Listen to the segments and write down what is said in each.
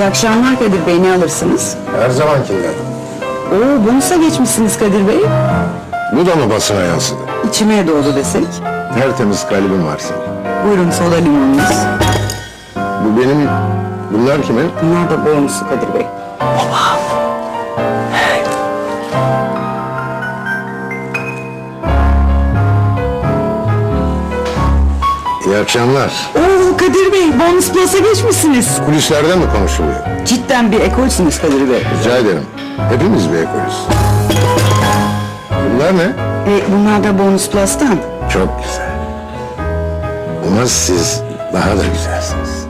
İyi akşamlar Kadir Bey, ne alırsınız? Her zamankinden. Oo, bonusa geçmişsiniz Kadir Bey. Bu da mı basına yansıdı? İçime doğdu desek. Tertemiz kalbim var senin. Buyurun soda limonunuz. Bu benim... Bunlar kimin? Bunlar da bonusu Kadir Bey. İyi akşamlar. Oo Kadir Bey, bonus plus'a geçmişsiniz. Kulislerde mi konuşuluyor? Cidden bir ekolsünüz Kadir Bey. Rica ederim. Hepimiz bir ekolüz. Bunlar ne? Bunlar da bonus plus'tan. Çok güzel. Ama siz daha da güzelsiniz.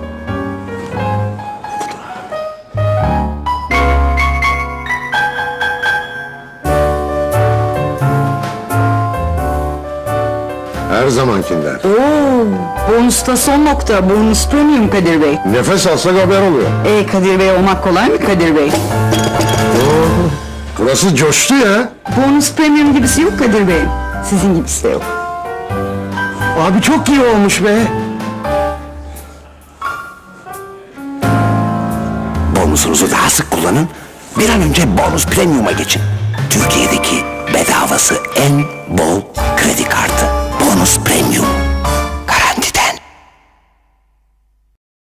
Her zamankinden. Oo, bonusta son nokta, bonus premium Kadir Bey. Nefes alsak haber oluyor. Kadir Bey olmak kolay mı Kadir Bey? Burası coştu ya. Bonus premium gibisi yok Kadir Bey. Sizin gibisi de yok. Abi çok iyi olmuş be. Bonusunuzu daha sık kullanın. Bir an önce bonus premium'a geçin. Türkiye'deki bedavası en bol